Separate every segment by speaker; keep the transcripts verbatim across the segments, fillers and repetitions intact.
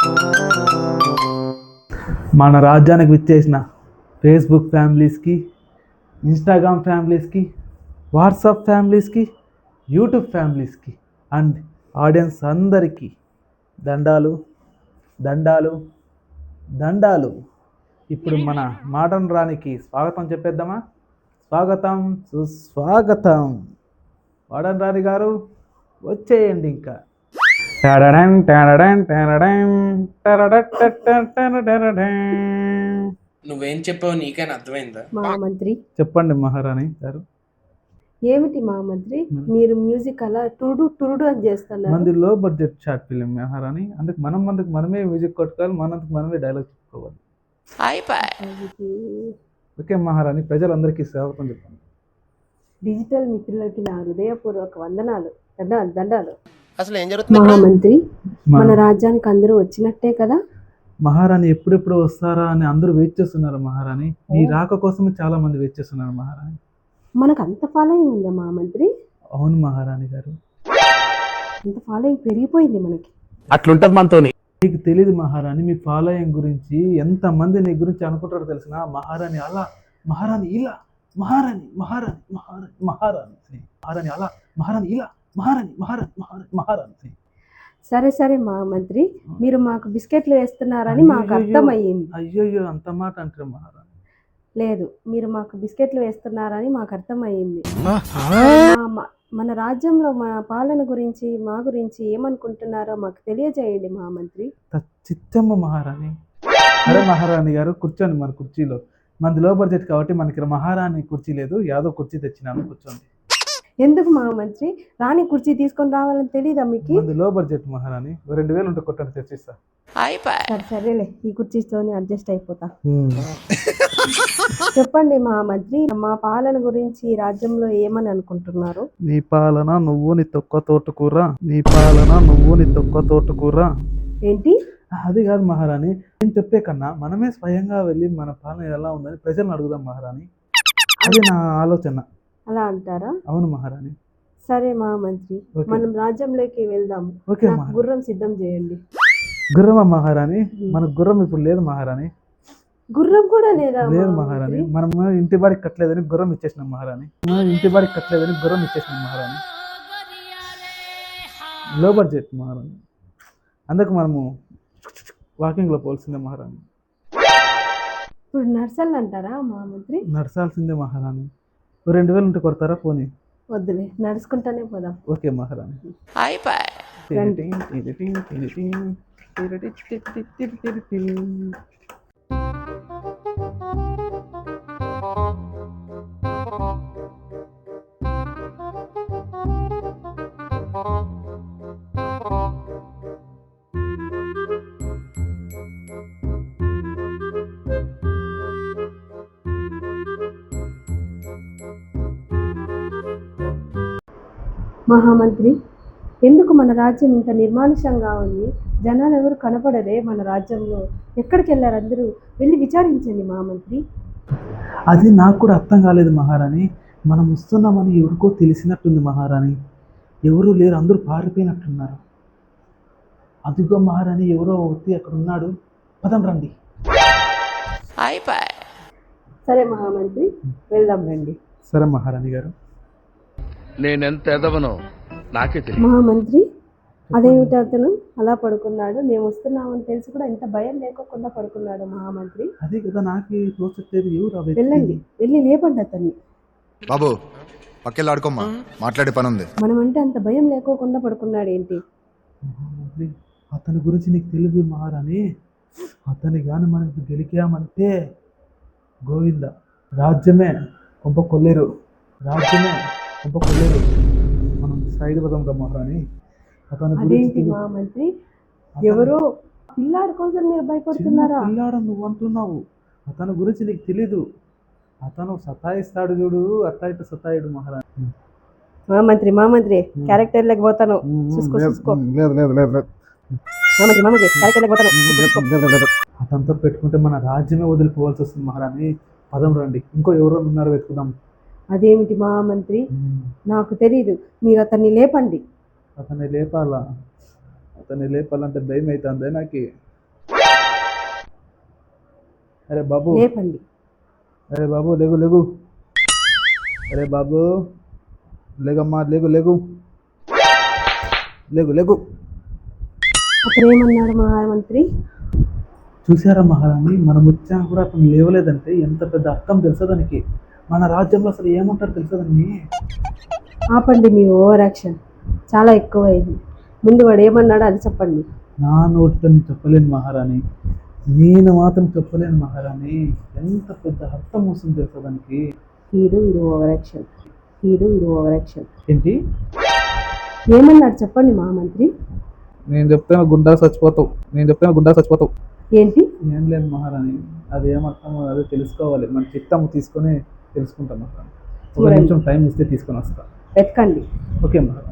Speaker 1: మన రాజ్యానికి విచ్చేసిన ఫేస్బుక్ ఫ్యామిలీస్కి, ఇన్స్టాగ్రామ్ ఫ్యామిలీస్కి, వాట్సాప్ ఫ్యామిలీస్కి, యూట్యూబ్ ఫ్యామిలీస్కి అండ్ ఆడియన్స్ అందరికీ దండాలు దండాలు దండాలు. ఇప్పుడు మన మోడర్న్ రాణికి స్వాగతం చెప్పేద్దామా? స్వాగతం సుస్వాగతం. మోడర్న్ రాణి గారు వచ్చేయండి. ఇంకా
Speaker 2: నువ్వేం చెప్పావు నీకైనా అర్థమైందా?
Speaker 3: మహామంత్రి
Speaker 1: చెప్పండి మహారాణి గారు.
Speaker 3: ఏమిటి మహామంత్రి మీరు మ్యూజిక్ అలా టుడు టుడు అని చేస్తున్నారు?
Speaker 1: మంది లో బడ్జెట్ షార్ట్ ఫిలిం మహారాణి, అందుకు మనం మందుకు మనమే మ్యూజిక్ కొట్టుకోవాలి, మనందుకు మనమే డైలాగ్ చెప్పుకోవాలి. ఓకే మహారాణి, ప్రజలందరికీ స్వాగతం చెప్పండి.
Speaker 3: డిజిటల్ మిత్రులకి నా హృదయపూర్వక వందనాలు, దండాలు దండాలు.
Speaker 2: అసలు ఏం జరుగుతుంది?
Speaker 3: మహామంత్రి మన రాజ్యానికి అందరూ వచ్చినట్టే కదా?
Speaker 1: మహారాణి ఎప్పుడెప్పుడు వస్తారా అని అందరూ వెయిట్ చేస్తున్నారు మహారాణి. మీ రాక కోసమే చాలా మంది వెయిట్ చేస్తున్నారు మహారాణి.
Speaker 3: మనకు అంత ఫాలోయింగ్ ఉందా మహామంత్రి?
Speaker 1: అవును మహారాణి గారు,
Speaker 3: అంత ఫాలోయింగ్ పెరిగిపోయింది మనకి.
Speaker 2: అట్లుంటది మనతో.
Speaker 1: మీకు తెలియదు మహారాణి, మీ ఫాలోయింగ్ గురించి ఎంత మంది నీ గురించి అనుకుంటారో తెలిసిన. మహారాణి అలా, మహారాణి ఇలా, మహారాణి మహారాణి మహారాణి మహారాణి అని, మహారాణి అలా, మహారాణి ఇలా, మహారాణి మహారాణి మహారాణి మహారాణి అని.
Speaker 3: సరే సరే మహామంత్రి, మీరు మాకు బిస్కెట్లు వేస్తున్నారని మాకు అర్థమయ్యింది.
Speaker 1: అయ్యో అంత మాట అంటారు మహారాణి.
Speaker 3: లేదు, మీరు మాకు బిస్కెట్లు వేస్తున్నారని మాకు అర్థమయ్యింది. మన రాజ్యంలో మన పాలన గురించి మా గురించి ఏమనుకుంటున్నారో మాకు తెలియజేయండి మహామంత్రి.
Speaker 1: చిత్తమ్మ మహారాణి. అరే మహారాణి గారు కూర్చోండి మన కుర్చీలో. మనది లో బడ్జెట్ కాబట్టి మనకి మహారాణి కుర్చీ లేదు, యాదో కుర్చీ తెచ్చినాను, కూర్చోండి.
Speaker 3: ఎందుకు మహామంత్రి? రాణి కుర్చీ తీసుకొని రావాలని తెలీదా మీకు?
Speaker 1: మనది లో బడ్జెట్ మహారాణి, రెండు వేలు ఉంటే కొట్టండి తెచ్చిస్తా.
Speaker 3: సరే సరేలే, ఈ కుర్చీతోనే అడ్జస్ట్ అయిపోతా. చెప్పండి మహామంత్రి, మా పాలన గురించి రాజ్యంలో ఏమని అనుకుంటున్నారు?
Speaker 1: నీ పాలన నువ్వు నీ తొక్క తోటకూర, నీ పాలన నువ్వు నీ తొక్క తోటకూర.
Speaker 3: ఏంటి?
Speaker 1: అది కాదు మహారాణి, నేను చెప్పే కన్నా మనమే స్వయంగా వెళ్ళి మన పాలన ఎలా ఉందని ప్రజలను అడుగుదాం మహారాణి. అది నా ఆలోచన.
Speaker 3: అలా అంటారా?
Speaker 1: అవును మహారాణి.
Speaker 3: సరే మహామంత్రి, మనం రాజ్యంలోకి వెళ్దాం.
Speaker 1: ఓకే,
Speaker 3: గుర్రం సిద్ధం చేయండి.
Speaker 1: గుర్రమా మహారాణి? మనకు గుర్రం ఇప్పుడు లేదు మహారాణి.
Speaker 3: గుర్రం కూడా లేదా?
Speaker 1: లేదు మహారాణి, మనం ఇంటి బాడికి కట్టలేదని గుర్రం ఇచ్చేసినాం మహారాణి. ఇంటి బాడికి కట్టలేదని గుర్రం ఇచ్చేసినాం మహారాణి. లో బడ్జెట్ మహారాణి, అందుకు మనము వాకింగ్ లో పోల్సిందే మహారాణి.
Speaker 3: ఇప్పుడు నర్సల్ అంటారా మహామంత్రి?
Speaker 1: నడసాల్సిందే మహారాణి. రెండు వేలు ఉంటే కొడతారా? పోనీ
Speaker 3: వద్దులే, నడుచుకుంటానే పోదాం.
Speaker 1: ఓకే మహారాణి.
Speaker 3: మహామంత్రి, ఎందుకు మన రాజ్యం ఇంత నిర్మానుషంగా ఉంది? జనాలు ఎవరు కనపడరే మన రాజ్యంలో? ఎక్కడికి వెళ్ళారు అందరూ? వెళ్ళి విచారించండి మహామంత్రి.
Speaker 1: అది నాకు కూడా అర్థం కాలేదు మహారాణి. మనం వస్తున్నామని ఎవరికో తెలిసినట్టుంది మహారాణి. ఎవరు లేరు, అందరూ పారిపోయినట్టున్నారు. అదిగో మహారాణి, ఎవరో వ్యక్తి అక్కడ ఉన్నాడు, పదం రండి.
Speaker 3: సరే మహామంత్రి, వెళ్దాం రండి.
Speaker 1: సరే మహారాణి గారు.
Speaker 4: నేనెంత ఎదవనో నాకే తెలియదు.
Speaker 3: మహామంత్రి, అదేమిటి అతను అలా పడుకున్నాడు? మేము వస్తున్నామని తెలిసి కూడా ఇంత భయం లేకోకుండా పడుకున్నాడు మహామంత్రి.
Speaker 1: అదే కదా నాకు తోచట్లేదు. ఎవరు?
Speaker 3: వెళ్ళండి, వెళ్ళి లేపండి అతన్ని.
Speaker 5: బాబు పక్కెళ్ళి ఆడుకోమ్మా, మాట్లాడే పని ఉంది.
Speaker 3: మనం అంటే అంత భయం లేకోకుండా పడుకున్నాడు ఏంటి?
Speaker 1: మహామంత్రి, అతని గురించి నీకు తెలియదు మహారాణి. అతని కానీ మనకి గెలికామంటే గోవింద, రాజ్యమే కొంప కొల్లేరు, రాజ్యమే కొంప కొల్లేరు. మనం సైడ్ పదం రా మహారాణి. అతని
Speaker 3: గురించి మహామంత్రి, ఎవరో పిల్లాడి కోసం మీరు భయపడుతున్నారా?
Speaker 1: పిల్లాడు నువ్వు అంటున్నావు, అతని గురించి నీకు తెలీదు. అతను సతాయిస్తాడు చూడు, అట్లా ఇట్లా సతాయిడు మహారాణి.
Speaker 3: మహామంత్రి మహామంత్రి క్యారెక్టర్ లేకపోతాను, చూసుకో చూసుకో. మహామంత్రి మహామంత్రి క్యారెక్టర్ లేకపోతాను.
Speaker 1: అతనితో పెట్టుకుంటే మన రాజ్యమే వదిలిపోవాల్సి వస్తుంది మహారాణి. పదం రండి, ఇంకో ఎవరో ఉన్నారో వెతుకుదాం.
Speaker 3: అదేమిటి మహామంత్రి? నాకు తెలీదు, మీరు అతన్ని లేపండి.
Speaker 1: అతన్ని లేపాలా? అతన్ని లేపాలంటే భయం అవుతుంది నాకు. అరే బాబు
Speaker 3: లేపండి.
Speaker 1: అరే బాబు లేగు లేగు అరే బాబు లేగమ్మా లేగు లేగు లేగు లేగు
Speaker 3: అతను ఏమన్నాడు మహామంత్రి?
Speaker 1: చూసారా మహారాణి, మనం వచ్చా కూడా అతను లేవలేదంటే ఎంత పెద్ద అర్థం తెలుసా దానికి. మన రాజ్యంలో అసలు ఏమంటారు తెలుసా దాన్ని.
Speaker 3: ఆపండి మీ ఓవర్ యాక్షన్, చాలా ఎక్కువ అయింది. ముందు వాడు ఏమన్నాడో అది చెప్పండి.
Speaker 1: నా నోటితో నేను చెప్పలేను మహారాణి, నేను మాత్రం చెప్పలేను మహారాణి. ఎంత పెద్ద అర్థం వస్తుంది తెలుసా దానికి.
Speaker 3: వీడు వీడు ఓవర్ యాక్షన్, వీడు వీడు ఓవర్ యాక్షన్.
Speaker 1: ఏంటి
Speaker 3: ఏమన్నాడు చెప్పండి మహామంత్రి.
Speaker 1: నేను చెప్తే గుండా చచ్చిపోతావు, నేను చెప్తే గుండా చచ్చిపోతావు.
Speaker 3: ఏంటి?
Speaker 1: ఏం లేదు మహారాణి, అది ఏమర్థమో అదే తెలుసుకోవాలి. మన చిత్తము తీసుకొని తెలుసుకుంటాం మహారాణి. ఒక
Speaker 3: చూడండి.
Speaker 1: నిమిషం టైం ఇస్తే తీసుకొని వస్తా.
Speaker 3: వెతకండి.
Speaker 1: ఓకే మహారాణి.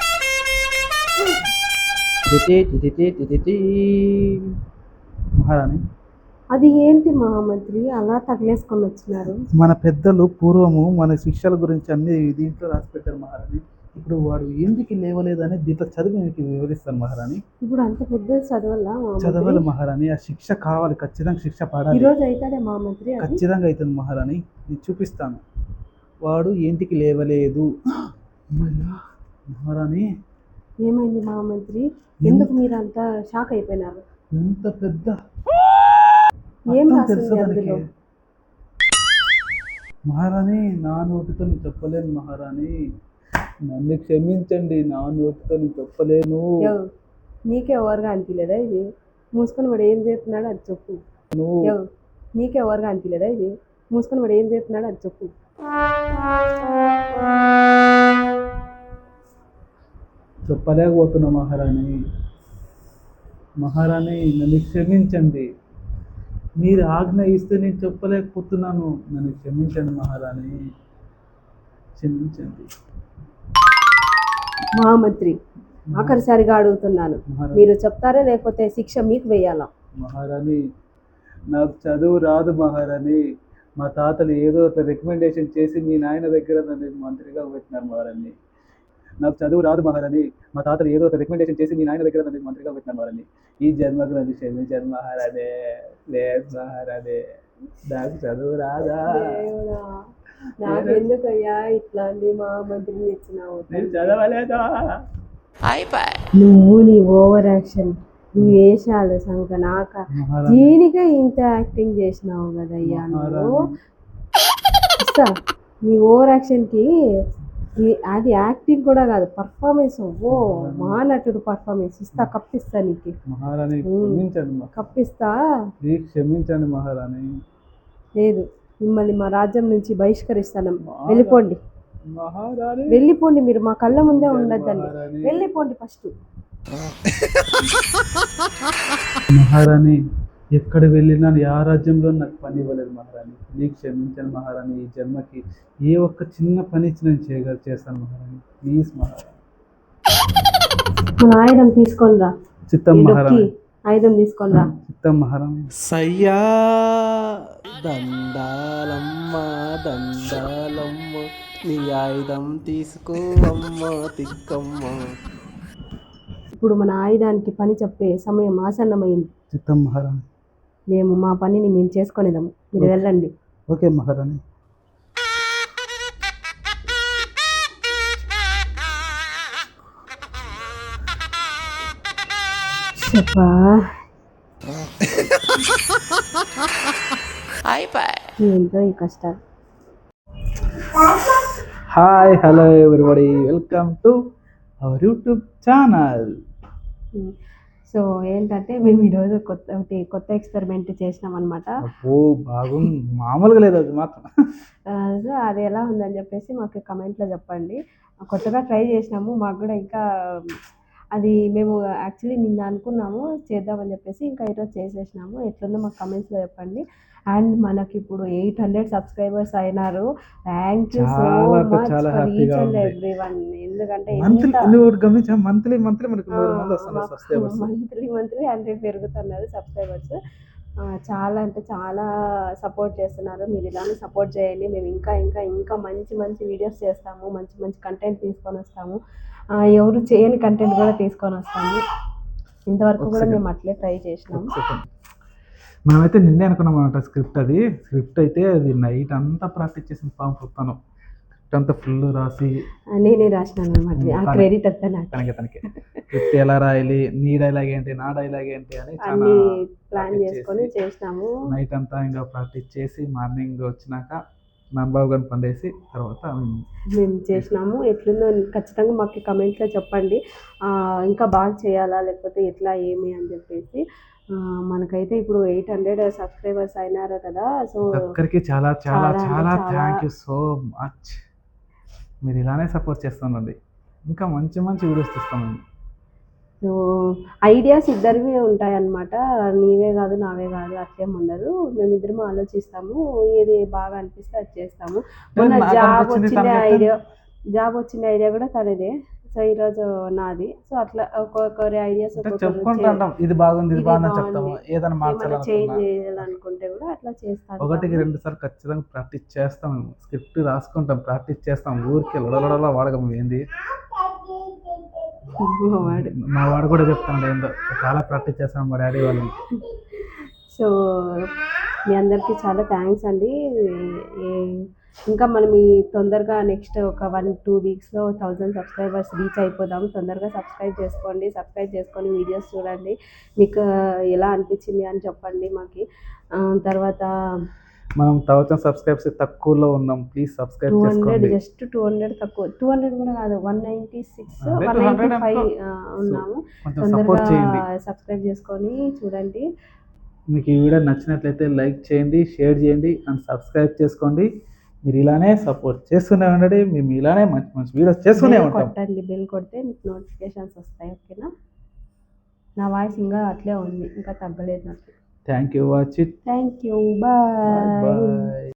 Speaker 1: మహారాణి,
Speaker 3: అది ఏంటి మహామంత్రి అలా తగిలేసుకొని వచ్చినారు?
Speaker 1: మన పెద్దలు పూర్వము మన శిక్షల గురించి అన్ని దీంట్లో రాసి పెట్టారు మహారాణి. ఇప్పుడు వాడు ఎందుకు లేవలేదని దీంట్లో చదివి మీకు వివరిస్తాను మహారాణి.
Speaker 3: ఇప్పుడు అంత పెద్ద చదవాలా
Speaker 1: చదవాలి
Speaker 3: మహామంత్రి?
Speaker 1: మహారాణి, ఆ శిక్ష కావాలి, ఖచ్చితంగా శిక్ష
Speaker 3: ఈ
Speaker 1: పడాలి.
Speaker 3: రోజు అవుతాడే మహామంత్రి అది?
Speaker 1: ఖచ్చితంగా అవుతుంది మహారాణి, నేను చూపిస్తాను. వాడు ఇంటికి లేవలేదు. అమ్మయ్యా, మహారాణి
Speaker 3: ఏమైంది మహామంత్రి? ఎందుకు మీరు అంత షాక్ అయిపోయినారు?
Speaker 1: ఎంత పెద్ద
Speaker 3: ఏం
Speaker 1: అర్థం
Speaker 3: రాసింది
Speaker 1: తెలుసా దానికి?
Speaker 3: అందులో?
Speaker 1: మహారాణి, నా నోటితో నేను చెప్పలేను మహారాణి, నన్ను క్షమించండి, నా నోటితో నేను చెప్పలేను.
Speaker 3: యో, నీకే ఓవర్గా అనిపించలేదా ఇది? మూసుకొని వాడు ఏం చెప్తున్నాడో అది చెప్పు. యో, నీకే ఓవర్గా అనిపించలేదా ఇది? మూసుకొని వాడు ఏం చెప్తున్నాడో అది చెప్పు.
Speaker 1: చెప్పలేకపోతున్నా మహారాణి. మహారాణి, నన్ను క్షమించండి, మీరు ఆజ్ఞ ఇస్తే నేను చెప్పలేకపోతున్నాను. నన్ను క్షమించండి మహారాణి, క్షమించండి.
Speaker 3: మహామంత్రి, ఆఖరిసారిగా అడుగుతున్నాను,
Speaker 1: మహారాణి,
Speaker 3: మీరు చెప్తారా లేకపోతే శిక్ష మీకు వేయాలా?
Speaker 1: మహారాణి, నాకు చదువు రాదు మహారాణి. మా తాతలు ఏదో ఒక రికమెండేషన్ చేసి మీ నాయన దగ్గర నన్ను మంత్రిగా పెట్టినారు మహారాణి. నాకు చదువు రాదు మహారాణి. మా తాతలు ఏదో ఒక రికమెండేషన్ చేసి మీ నాయన దగ్గర నన్ను మంత్రిగా పెట్టినారు మహారాణి. ఈ జన్మకు నన్ను క్షమించారు మహారాణి. లేదు మహారాణి, నాకు చదువు రాదా.
Speaker 3: దేవుడా, నాకు ఎందుకయ్యా ఇట్లాంటి మహామంత్రిని ఇచ్చినావు?
Speaker 1: నేను చదవలేదా.
Speaker 3: నువ్వు నీ ఓవర్ యాక్షన్, నీ వేషాలు సంక నాక
Speaker 1: మహారాణి,
Speaker 3: దీనికే ఇంత యాక్టింగ్ చేసినావు కదయ్యా నువ్వు.
Speaker 1: మహారాణి,
Speaker 3: ఇస్తా నీ ఓవర్ యాక్షన్కి ఈ- అది యాక్టింగ్ కూడా కాదు, పర్ఫార్మెన్స్. ఓ మహానటుడు పర్ఫార్మెన్స్ ఇస్తా, కప్పిస్తా నీకు,
Speaker 1: మహారాణి క్షమించండి మహా-
Speaker 3: కప్పిస్తా.
Speaker 1: ప్లీజ్ క్షమించండి మహారాణి.
Speaker 3: లేదు, మిమ్మల్ని మా రాజ్యం నుంచి బహిష్కరిస్తాను. వెళ్ళిపోండి,
Speaker 1: మహారాణి,
Speaker 3: వెళ్ళిపోండి, మీరు మా కళ్ళ ముందే ఉండద్దండి.
Speaker 1: మహారాణి.
Speaker 3: వెళ్ళిపోండి ఫస్ట్.
Speaker 1: మహారాణి, ఎక్కడ వెళ్ళినా ఆ రాజ్యంలో నాకు పని ఇవ్వలేదు మహారాణి. నీకు క్షమించాను మహారాణి. ఈ జన్మకి ఏ ఒక్క చిన్న పని ఇచ్చి నేను చేయగ చేస్తాను మహారాణి. ప్లీజ్ మహారాణి.
Speaker 3: మన ఆయుధం తీసుకొని రా.
Speaker 1: చిత్తం
Speaker 3: ఈ
Speaker 1: మహారాణి,
Speaker 3: డొక్కి ఆయుధం తీసుకొని రా.
Speaker 1: చిత్తం మహారాణి.
Speaker 2: సయ్యా దండాలమ్మ దండాలమ్మ, నీ ఆయుధం తీసుకో అమ్మ తిక్కమ్మ.
Speaker 3: ఇప్పుడు మన ఆయుధానికి పని చెప్పే సమయం ఆసన్నమైంది.
Speaker 1: చిత్తం మహారాణి.
Speaker 3: మేము మా పనిని మేము చేసుకునేదాము, మీరు వెళ్ళండి.
Speaker 1: ఓకే మహారాణి.
Speaker 3: చెప్పా ఏంటో ఈ కష్టాలు.
Speaker 1: Hi hello everybody, welcome to our YouTube channel.
Speaker 3: So ఏంటంటే మేము ఈరోజు కొత్త ఒకటి కొత్త ఎక్స్పెరిమెంట్ చేసినాం అనమాట.
Speaker 1: ఓ బాగుంది, మామూలుగా లేదు అది మాత్రం.
Speaker 3: సో అది ఎలా ఉందని చెప్పేసి మాకు కమెంట్లో చెప్పండి. కొత్తగా ట్రై చేసినాము, మాకు కూడా ఇంకా అది మేము యాక్చువల్లీ నిన్న అనుకున్నాము చేద్దామని చెప్పేసి, ఇంకా ఈరోజు చేసేసినాము. ఎట్లుందో మాకు కమెంట్స్లో చెప్పండి. అండ్ మనకి ఇప్పుడు ఎయిట్ హండ్రెడ్ సబ్స్క్రైబర్స్ అయినారు. థ్యాంక్ యూ సో
Speaker 1: చాలా
Speaker 3: మచ్
Speaker 1: చాలా
Speaker 3: ఫర్ ఈచ్
Speaker 1: హ్యాపీగా
Speaker 3: అండ్
Speaker 1: ఉంది.
Speaker 3: Every one. ఎందుకంటే
Speaker 1: మంత్లీ
Speaker 3: ఎంత
Speaker 1: నువ్వు గమనించా, మంత్లీ మంత్లీ మనకు మూడు మంది వస్తున్నారు సబ్స్క్రైబర్స్.
Speaker 3: మంత్లీ మంత్లీ హండ్రెడ్ పెరుగుతున్నారు సబ్స్క్రైబర్స్. చాలా అంటే చాలా సపోర్ట్ చేస్తున్నారు. మీరు ఇలానే సపోర్ట్ చేయండి. మేము ఇంకా ఇంకా ఇంకా మంచి మంచి వీడియోస్ చేస్తాము, మంచి మంచి కంటెంట్ తీసుకొని వస్తాము. ఆ, ఎవరు చేయని కంటెంట్ కూడా తీసుకొని వస్తాము. ఇంతవరకు కూడా మేము అట్లే ట్రై చేసినాము.
Speaker 1: మనమైతే నిన్నే అనుకున్నాం అనమాట స్క్రిప్ట్ అది స్క్రిప్ట్ అయితే అది నైట్ అంతా ప్రాక్టీస్ చేసిన పాము పుస్తాను స్క్రిప్ట్ అంతా ఫుల్ రాసి
Speaker 3: నేనే రాసినాను అనమాట ఆ
Speaker 1: తనే.
Speaker 3: క్రెడిట్ అంతా నాకు
Speaker 1: తనకి తనకి స్క్రిప్ట్ ఎలా రాయాలి నీ డైలాగ్ ఏంటి నా డైలాగ్ ఏంటి అని చాలా
Speaker 3: అన్ని ప్లాన్
Speaker 1: practice
Speaker 3: చేసుకొని
Speaker 1: చేసి,
Speaker 3: చేసినాము.
Speaker 1: నైట్ అంతా ఇంకా ప్రాక్టీస్ చేసి మార్నింగ్ వచ్చినాక నాన్నబాబు గారిని పండేసి తర్వాత
Speaker 3: మేము చేసినాము. ఎట్లుందో ఖచ్చితంగా మాకు కమెంట్స్లో చెప్పండి. ఆ, ఇంకా బాగా చేయాలా లేకపోతే ఎట్లా ఏమి అని చెప్పేసి. ఆ, మనకైతే ఇప్పుడు ఎయిట్ హండ్రెడ్ సబ్స్క్రైబర్స్ అయినారు కదా. సో
Speaker 1: ఒక్కరికి చాలా చాలా
Speaker 3: చాలా అంటే
Speaker 1: చాలా
Speaker 3: చాలా-
Speaker 1: థ్యాంక్ యూ సో మచ్. మీరు ఇలానే సపోర్ట్ చేస్తానండి. ఇంకా మంచి మంచి వీడియోస్ తీస్తామండి.
Speaker 3: సో ఐడియాస్ ఇద్దరివి ఉంటాయన్నమాట. నీవే కాదు నావే కాదు అట్లేం ఉండదు. మేమిద్దరం ఆలోచిస్తాము, ఏది బాగా అనిపిస్తే అది చేస్తాము. మొన్న
Speaker 1: నాకు
Speaker 3: జాబ్
Speaker 1: అనిపించింది
Speaker 3: వచ్చిన
Speaker 1: తనకి
Speaker 3: ఐడియా జాబ్ వచ్చిన ఐడియా కూడా తనదే. సో ఈరోజు నాది. సో అట్లా ఒక్కొక్కరి ఐడియాస్
Speaker 1: అంటే చెప్పుకుంటూ అంటాం ఇది బాగుంది ఇది
Speaker 3: ఇది
Speaker 1: బాగుందని
Speaker 3: బాగుంది.
Speaker 1: చెప్తాము. ఏదైనా
Speaker 3: ఏమైనా
Speaker 1: మార్చాలనుకున్నా
Speaker 3: చేంజ్ చేయాలనుకుంటే కూడా అట్లా చేస్తాను.
Speaker 1: ఒకటికి రెండు సార్లు ఖచ్చితంగా ప్రాక్టీస్ చేస్తాం. స్క్రిప్ట్ రాసుకుంటాం, ప్రాక్టీస్ చేస్తాం. ఊరికి లొడలొడలా వాడకం ఏంది
Speaker 3: వాడు
Speaker 1: మా వాడు కూడా చెప్తాను ఏందో చాలా ప్రాక్టీస్ చేస్తాం మా డాడీ వాళ్ళని.
Speaker 3: సో మీ అందరికీ చాలా థ్యాంక్స్ అండి. ఏ- ఇంకా మనం ఈ తొందరగా నెక్స్ట్ ఒక వన్ టూ వీక్స్లో థౌజండ్ సబ్స్క్రైబర్స్ రీచ్ అయిపోదాం. తొందరగా సబ్స్క్రైబ్ చేసుకోండి. సబ్స్క్రైబ్ చేసుకొని వీడియోస్ చూడండి. మీకు ఎలా అనిపించింది అని చెప్పండి మాకు. ఆ, తర్వాత
Speaker 1: మనం థౌసండ్ సబ్స్క్రైబ్స్ తక్కువలో ఉన్నాం. ప్లీజ్ సబ్స్క్రైబ్
Speaker 3: టూ హండ్రెడ్
Speaker 1: చేసుకోండి.
Speaker 3: జస్ట్ టూ హండ్రెడ్ తక్కువ టూ హండ్రెడ్ కూడా కాదు వన్ నైంటీ సిక్స్
Speaker 1: అదే
Speaker 3: one
Speaker 1: two hundred
Speaker 3: ninety five
Speaker 1: అనుకో.
Speaker 3: ఉన్నాము.
Speaker 1: కొంచెం
Speaker 3: తొందరగా
Speaker 1: సపోర్ట్ చేయండి.
Speaker 3: సబ్స్క్రైబ్ చేసుకొని చూడండి.
Speaker 1: మీకు ఈ వీడియో నచ్చినట్లయితే లైక్ చేయండి, షేర్ చేయండి అండ్ సబ్స్క్రైబ్ చేసుకోండి. మీరు ఇలానే సపోర్ట్ చేస్తూనే ఉండండి. మేము ఇలానే మంచి మంచి వీడియోస్ చేస్తూనే
Speaker 3: బెల్
Speaker 1: ఉంటాం.
Speaker 3: కొట్టండి. బెల్ కొడితే మీకు నోటిఫికేషన్స్ వస్తాయి. ఓకేనా? నా వాయిస్ ఇంకా అట్లే ఉంది, ఇంకా తగ్గలేదు నాకు.
Speaker 1: Thank you watch it.
Speaker 3: Thank you. Bye.
Speaker 1: Bye.